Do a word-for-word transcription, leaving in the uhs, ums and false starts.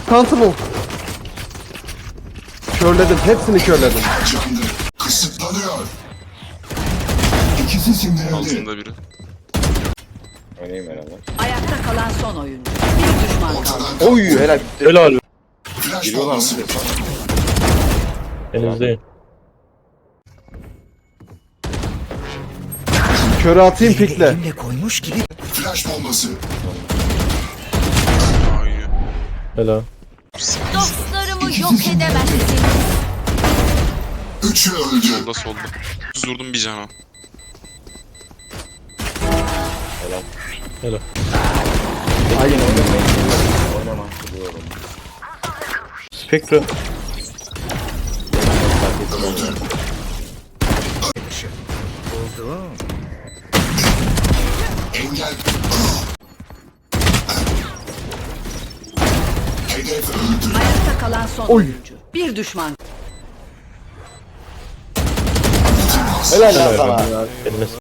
Sentinel. Körledim. Hepsini körledim. Canlı. Kısıtlanıyor. İkisi sindirildi. Altında biri. Oynayayım herhalde. Ayakta kalan son oyuncu. Bir düşman kaldı. Ortadan Oy helal. Helal. flash Giriyorlar mı? bombası. Henüzdeyim. Körü atayım pikle. Flash bombası. Aa iyi. Helal. Dostlarımı yok edemezsiniz. Üçü öldü. Solda solda. Düz vurdum bir cana. Helal. Aynen. Oynama. Biliyorum. Spectre. Engel. Hedef öldü. Ayakta kalan son Oy. oyuncu. Bir düşman. Helal lan sana. Eline